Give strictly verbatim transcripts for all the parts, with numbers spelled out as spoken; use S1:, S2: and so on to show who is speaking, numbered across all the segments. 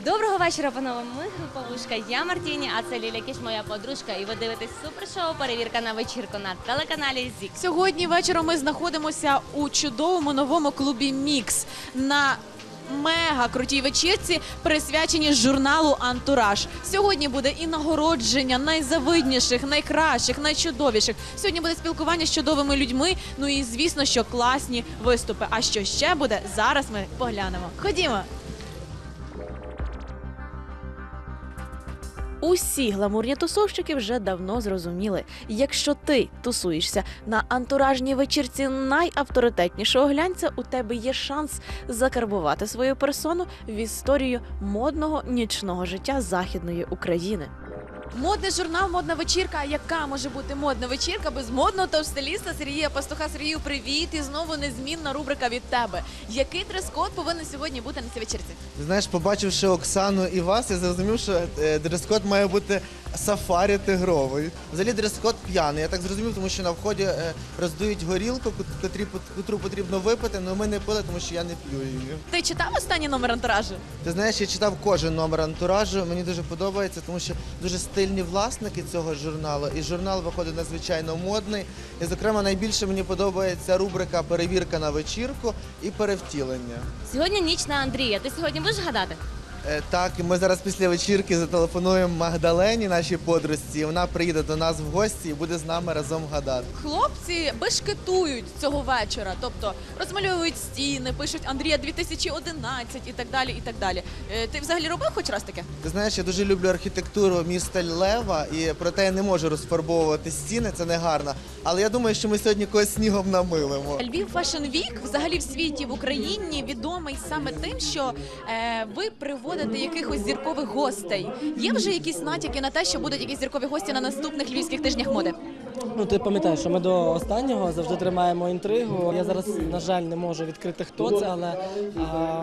S1: Доброго вечора, панове. Ми група Вушка. Я Мартіні, а це Ліля Кіш, моя подружка. І ви дивитесь супершоу «Перевірка на вечірку» на телеканалі ЗІК.
S2: Сьогодні вечором ми знаходимося у чудовому новому клубі «Мікс» на мега крутій вечірці, присвяченій журналу «Антураж». Сьогодні буде і нагородження найзавидніших, найкращих, найчудовіших. Сьогодні буде спілкування з чудовими людьми, ну і звісно, що класні виступи. А що ще буде, зараз ми поглянемо. Ходімо! Усі гламурні тусовщики вже давно зрозуміли, якщо ти тусуєшся на антуражній вечірці найавторитетнішого глянця, у тебе є шанс закарбувати свою персону в історію модного нічного життя Західної України. Модний журнал «Модна вечірка». Яка може бути модна вечірка без модного топ-стиліста Сергія Пастуха? Сергію, привіт! І знову незмінна рубрика від тебе. Який дрес-код повинен сьогодні бути на цій вечірці?
S3: Ти знаєш, побачивши Оксану і вас, я зрозумів, що е, дрес-код має бути сафарі тигровий. Взагалі дрес-код п'яний. Я так зрозумів, тому що на вході е, роздають горілку, котрі, котру потрібно випити, але ми не пили, тому що я не п'ю її.
S2: Ти читав останній номер «Антуражу»?
S3: Ти знаєш, я читав кожен номер «Антуражу», мені дуже подобається, тому що дуже стильні власники цього журналу, і журнал виходить надзвичайно модний. І, зокрема, найбільше мені подобається рубрика «Перевірка на вечірку» і «Перевтілення».
S1: Сьогодні ніч на Андрія. Ти сьогодні будеш гадати?
S3: Е, Так, і ми зараз після вечірки зателефонуємо Магдалені, нашій подружці, і вона приїде до нас в гості і буде з нами разом гадати.
S2: Хлопці бешкетують цього вечора, тобто розмальовують стіни, пишуть «Андрія дві тисячі одинадцять» і так далі, і так далі. Е, Ти взагалі робив хоч раз таке?
S3: Ти знаєш, я дуже люблю архітектуру міста Лева, і проте я не можу розфарбовувати стіни, це не гарно. Але я думаю, що ми сьогодні когось снігом намилимо.
S2: Львів Fashion Week взагалі в світі, в Україні відомий саме тим, що е, ви приводите якихось зіркових гостей. Є вже якісь натяки на те, що будуть якісь зіркові гості на наступних львівських тижнях моди?
S4: Ну, ти пам'ятаєш, що ми до останнього завжди тримаємо інтригу. Я зараз, на жаль, не можу відкрити, хто це, але а,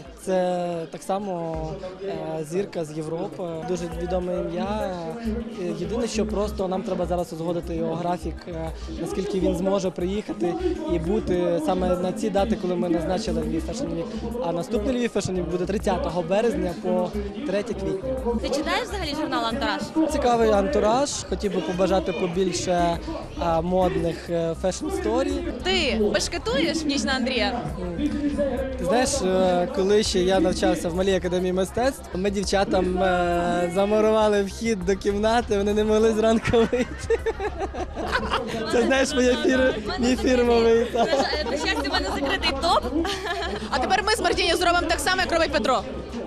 S4: це так само а, зірка з Європи, дуже відоме ім'я. Єдине, що просто нам треба зараз узгодити його графік, а, наскільки він зможе приїхати і бути саме на ці дати, коли ми назначили Львів Fashion Week. А наступний Львів Fashion Week буде тридцятого березня по третє квітня.
S1: Ти читаєш взагалі журнал «Антураж»?
S4: Цікавий антураж, хотів би побажати побільше а, модних фешн-сторі.
S2: Ти бешкетуєш в ніч на Андрія?
S4: Ти знаєш, е, коли ще я навчався в малій академії мистецтв, ми дівчатам е, замурували вхід до кімнати, вони не могли зранку вийти. Це, знаєш, моє фір... мій фірмовий.
S1: На жаль, на щастя, в мене закритий топ.
S2: А тепер ми з Мартіні зробимо так само, як робить Петро.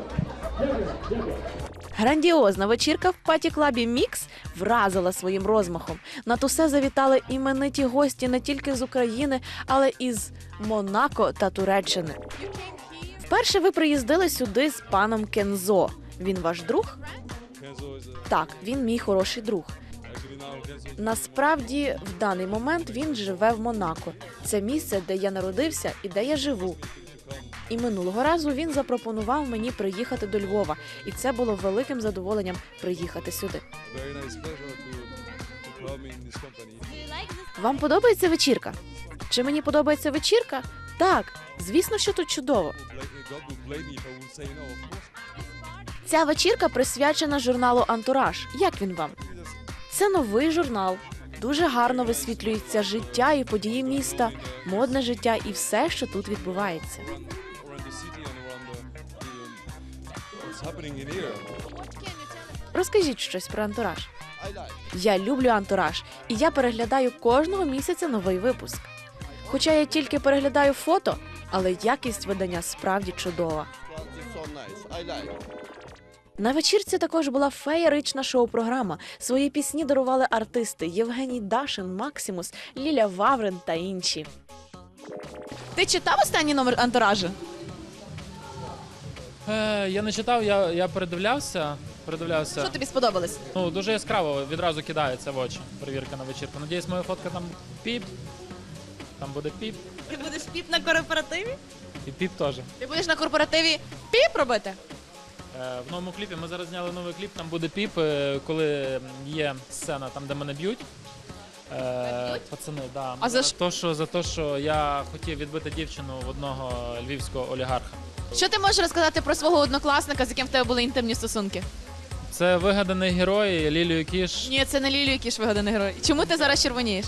S2: Грандіозна вечірка в паті-клабі «Мікс» вразила своїм розмахом. На тусе завітали імениті гості не тільки з України, але і з Монако та Туреччини. Вперше ви приїздили сюди з паном Кензо. Він ваш друг? Так, він мій хороший друг. Насправді, в даний момент він живе в Монако. Це місце, де я народився і де я живу. І минулого разу він запропонував мені приїхати до Львова. І це було великим задоволенням приїхати сюди. Вам подобається вечірка? Чи мені подобається вечірка? Так, звісно, що тут чудово. Ця вечірка присвячена журналу «Антураж». Як він вам? Це новий журнал. Дуже гарно висвітлюється життя і події міста, модне життя і все, що тут відбувається. Розкажіть щось про «Антураж». Я люблю «Антураж», і я переглядаю кожного місяця новий випуск. Хоча я тільки переглядаю фото, але якість видання справді чудова. На вечірці також була феєрична шоу-програма. Свої пісні дарували артисти Євгеній Дашин, Максимус, Ліля Ваврин та інші. Ти читав останній номер «Антуражу»?
S5: Е, я не читав, я, я передивлявся. передивлявся.
S2: Що тобі сподобалось?
S5: Ну, дуже яскраво, відразу кидається в очі. Перевірка на вечірку. Надіюсь, моя фотка там піп. Там буде піп.
S2: Ти будеш піп на корпоративі?
S5: І піп теж.
S2: Ти будеш на корпоративі піп робити?
S5: Е, в новому кліпі ми зараз зняли новий кліп, там буде піп, е, коли є сцена там, де мене б'ють. Е, пацани, да.
S2: А за що?
S5: То, що, за те, що я хотів відбити дівчину в одного львівського олігарха.
S6: Що ти можеш розказати про свого однокласника, з яким в тебе були інтимні стосунки?
S5: Це вигаданий герой Лілію Кіш.
S6: Ні, це не Лілію Кіш вигаданий герой. Чому ти зараз червонієш?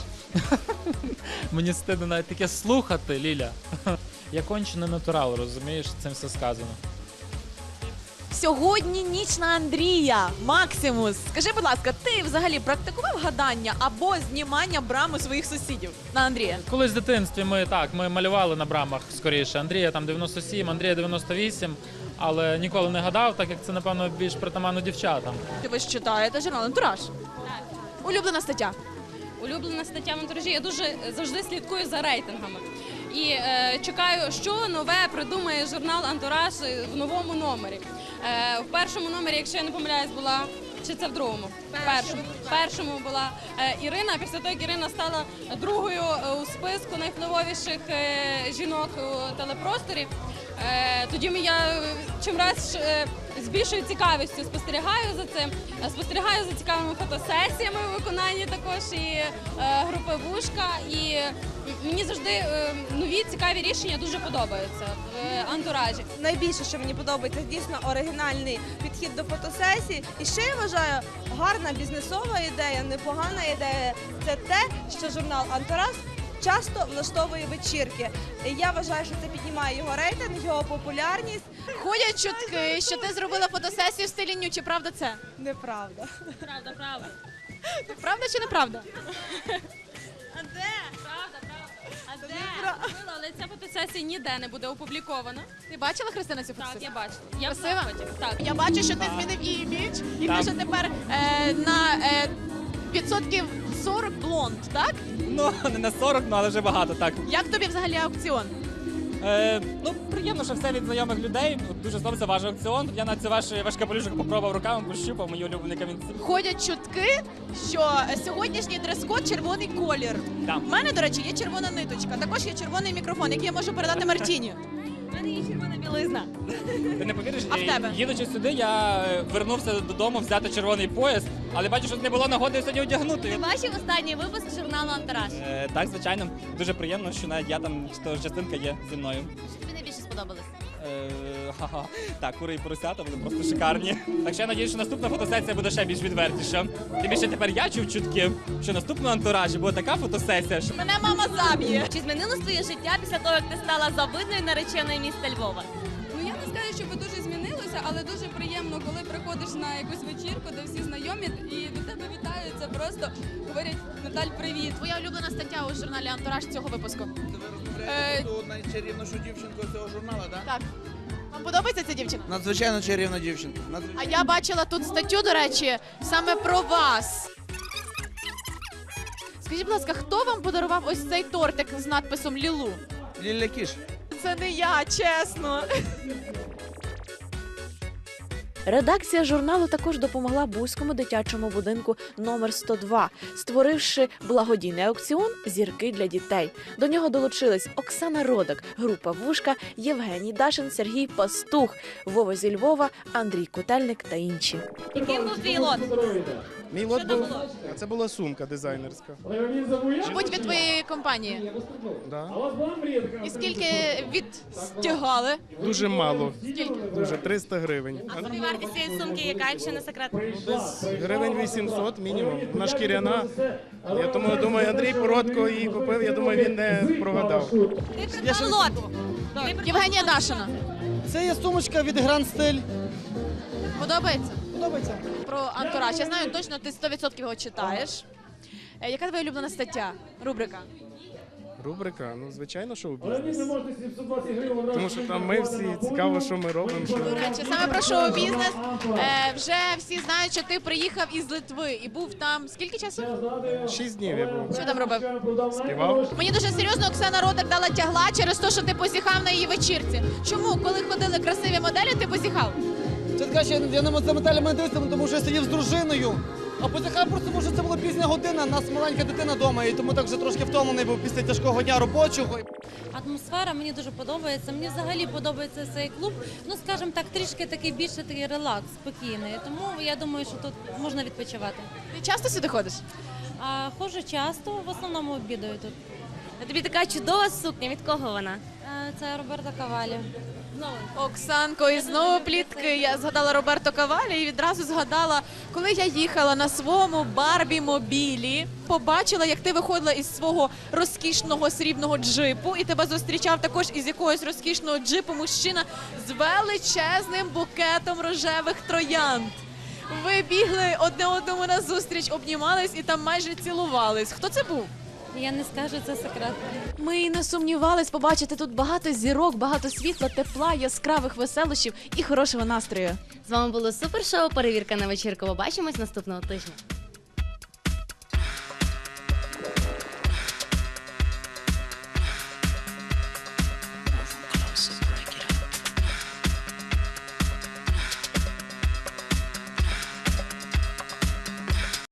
S5: Мені стидно навіть таке слухати, Ліля. Я кончений натурал, розумієш, цим все сказано.
S2: Сьогодні ніч на Андрія. Максимус. Скажи, будь ласка, ти взагалі практикував гадання або знімання брами своїх сусідів на Андрія?
S5: Колись в дитинстві ми так, ми малювали на брамах скоріше. Андрія там дев'яносто сім, Андрія дев'яносто вісім, але ніколи не гадав, так як це, напевно, більш притаманно дівчатам.
S2: Ви ж читаєте журнал «Антураж».
S6: Улюблена стаття.
S1: Улюблена стаття в антуражі. Я дуже завжди слідкую за рейтингами. І е, чекаю, що нове придумає журнал «Антураж» в новому номері. Е, в першому номері, якщо я не помиляюсь, була, чи це в другому? В першому. В першому була е, Ірина, а після того, як Ірина стала другою е, у списку найвпливовіших е, жінок у телепросторі, е, тоді я чимраз е, з більшою цікавістю спостерігаю за цим, е, спостерігаю за цікавими фотосесіями у виконанні також і е, групи «Вушка». І мені завжди е, нові цікаві рішення дуже подобаються в антуражі.
S7: Найбільше, що мені подобається, дійсно оригінальний підхід до фотосесії. І ще я вважаю, гарна бізнесова ідея, непогана ідея – це те, що журнал «Антураж» часто влаштовує вечірки. І я вважаю, що це піднімає його рейтинг, його популярність.
S6: Ходять чутки, що ти зробила фотосесію в стилі ню. Чи правда це?
S7: Неправда.
S1: Правда, правда.
S6: Правда чи неправда?
S1: А де? Правда, правда. А де? Зробила, але ця фотосесія ніде не буде опублікована.
S6: Ти бачила, Христина, цю
S1: Так,
S6: фотосесію?
S1: я бачу. Я в
S6: Красива?
S1: захваті. Так.
S6: Я бачу, що ти змінив імідж, і ти вже тепер е, на е, відсотків сорок блонд, так?
S8: Ну, не на сорок, ну, але вже багато, так.
S6: Як тобі взагалі аукціон?
S8: Е, ну, приємно, що все від знайомих людей. От дуже сподобався ваш аукціон. Я на цей ваш, ваш капелюшок попробував руками, пощупав, мої улюблені камінці.
S6: Ходять чутки, що сьогоднішній дрес-код червоний колір.
S8: Так.
S6: У мене, до речі, є червона ниточка, також є червоний мікрофон, який я можу передати Мартіні.
S1: У мене є червона білизна.
S8: Ти не повіриш,
S6: А в тебе?
S8: їдучи сюди, я е, вернувся додому взяти червоний пояс, але бачу, що не було нагоди сьогодні одягнути.
S1: Ти бачив останній випуск журналу «Антураж»?
S8: Е, так, звичайно, дуже приємно, що навіть я там, що частинка є зі мною.
S1: Що тобі найбільше сподобалось?
S8: Е, ха-ха. Так, кури і поросята були просто шикарні. Так що я надіюсь, що наступна фотосесія буде ще більш відвертіша. Тим більше тепер я чув чутки, що наступного антуражі буде така фотосесія, що
S6: Мене мама заб'є.
S1: Чи змінилось твоє життя після того, як ти стала завидною нареченою міста Львова?
S9: Ну я не скажу, що ви дуже змінилися, але дуже приємно, коли приходиш на якусь вечірку, де всі знайомі і до тебе вітаються, просто говорять: Наталь, привіт.
S6: Твоя улюблена стаття у журналі «Антураж» цього випуску.
S9: Е,
S10: Ту найчарівнішу дівчинку з цього журналу, так?
S6: Так. Вам подобається ця дівчина?
S10: Надзвичайно чарівна дівчинка.
S6: А я бачила тут статтю, до речі, саме про вас. Скажіть, будь ласка, хто вам подарував ось цей тортик з надписом «Лілу»?
S10: Ліля Кіш.
S6: Це не я, чесно.
S2: Редакція журналу також допомогла Буському дитячому будинку номер сто два, створивши благодійний аукціон «Зірки для дітей». До нього долучились Оксана Родак, група «Вушка», Євгеній Дашин, Сергій Пастух, Вова зі Львова, Андрій Котельник та інші.
S1: Яким був твій лот?
S11: Мій лот був, це була сумка дизайнерська.
S6: Мабуть, від твоєї компанії.
S11: Да.
S6: І скільки відстягали?
S11: Дуже мало,
S6: Скільки?
S11: дуже триста гривень.
S1: А собівартість цієї сумки яка, якщо не секрет?
S11: Десь гривень вісімсот мінімум. Вона шкіряна. Я тому думаю, Андрій Породко її купив, я думаю, він не прогадав.
S1: Ти придбав лот? Ти придбав
S6: Євгенія
S1: лот?
S6: Дашина.
S10: Це є сумочка від Гранд Стиль.
S6: Подобається?
S10: Подобається.
S6: Про антураж. Я знаю точно, ти сто відсотків його читаєш. Е, Яка твоя улюблена стаття? Рубрика?
S11: Рубрика, ну звичайно, шоу-бізнес. Тому що там ми всі цікаво, що ми робимо. Що...
S6: До речі, саме про шоу-бізнес. Е, вже всі знають, що ти приїхав із Литви і був там скільки часу?
S11: Шість днів я був.
S6: Що там робив?
S11: Співав.
S6: Мені дуже серйозно Оксана Родак дала тягла через те, що ти позіхав на її вечірці. Чому, коли ходили красиві моделі, ти позіхав?
S10: Це така, що я не за металями дивився, тому що я сидів з дружиною. А позяхав просто, тому що це була пізня година, у нас маленька дитина вдома, і тому так вже трошки втомлений був після тяжкого дня робочого.
S12: Атмосфера мені дуже подобається. Мені взагалі подобається цей клуб. Ну, скажімо так, трішки такий більше такий релакс, спокійний. Тому я думаю, що тут можна відпочивати.
S6: Ти часто сюди ходиш?
S12: А ходжу часто, в основному обідаю тут.
S1: А тобі така чудова сукня, від кого вона?
S12: Е, Це Роберта Кавалі.
S6: Оксанко, і знову плітки. Я згадала Роберто Кавалі і відразу згадала, коли я їхала на своєму Барбі-мобілі, побачила, як ти виходила із свого розкішного срібного джипу, і тебе зустрічав також із якогось розкішного джипу мужчина з величезним букетом рожевих троянд. Ви бігли одне одному на зустріч, обнімались і там майже цілувались. Хто це був?
S12: Я не скажу, це секрет.
S2: Ми і не сумнівались побачити тут багато зірок, багато світла, тепла, яскравих веселощів і хорошого настрою.
S13: З вами було супер шоу «Перевірка на вечірку». Побачимось наступного тижня.